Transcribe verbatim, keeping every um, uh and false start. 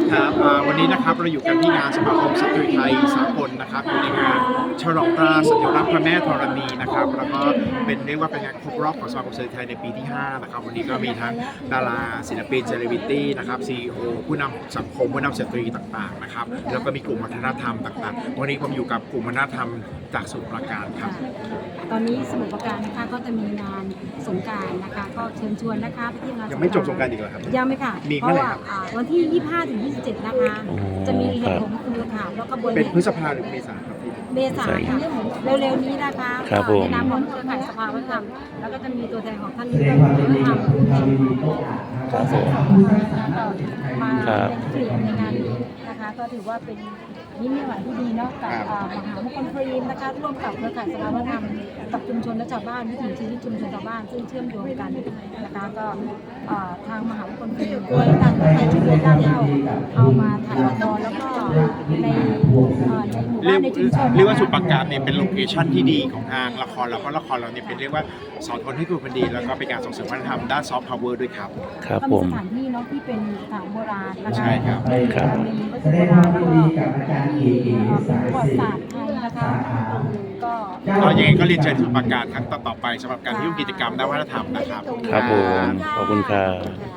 ครับวันนี้นะครับเราอยู่กันที่งานสมาคมสตรีไทยสากลนะครับอยู่ในงานฉลองตราสัญลักษณ์พระแม่ธรณีนะครับแล้วก็เป็นเรียกว่าเป็นงานครบรอบของสมาคมสตรีไทยในปีที่ห้านะครับวันนี้ก็มีทั้งดาราศิลปินเซเลบริตี้นะครับซีอีโอผู้นำสังคมผู้นำสตรีต่างๆนะครับแล้วก็มีกลุ่มวัฒนธรรมต่างๆวันนี้ผมอยู่กับกลุ่มวัฒนธรรมจากสมุทรปราการครับตอนนี้สมุทรปราการนะคะก็จะมีงานสงกรานต์นะคะก็เชิญชวนนะคะไปที่งานยังไม่จบสงกรานต์อีกเหรอครับยังไม่ค่ะมีเพเมื่อราะไหร่ว่าครับวันที่ยี่สิบห้าถึงยี่สิบเจ็ดนะคะจะมีเหตุผลคือค่ะแล้วก็บนเป็นพฤษภาหรือเมษาครับพี่เมษาค่ะเร็วๆนี้นะคะในนามของเครือข่ายสภาวัฒนธรรมแล้วก็จะมีตัวแทนของท่านที่เป็นวัฒนธรรมผู้แทนของสองมาเป็นเกลี่ยในงานนี้นะคะก็ถือว่าเป็นนิมิตหมายที่ดีเนาะกับมหามงคลฟรีนะคะร่วมกับเครือข่ายสภาวัฒนธรรมกับชุมชนและชาวบ้านวิถีชีวิตชุมชนชาวบ้านซึ่งเชื่อมโยงกันนะคะก็ทางมหามงคลฟรีด้วยตั้งใจช่วยเหลือด้านเอาเอามาถ่ายละครแล้วก็ในหมู่บ้านในชุมชนเรียกว่าสมุทรปราการเนี่ยเป็นโลเคชั่นที่ดีของทางละครแล้วก็ละครเราเนี่ยเป็นเรียกว่าสอนคนให้คุณคนดีแล้วก็เป็นการส่งเสริมวัฒนธรรมด้านซอฟต์พาวเวอร์ด้วยครับครับผมสถานที่เนาะที่เป็นสถานโบราณนะคะใช่ครับมีวัตถุโบราณก็ประวัติศาสตร์ไทยนะคะก็ก็ยังไงก็เรียนเชิญสมุทรปราการครั้งต่อๆไปสำหรับการที่ร่วมกิจกรรมด้านวัฒนธรรมนะครับครับผมขอบคุณครับ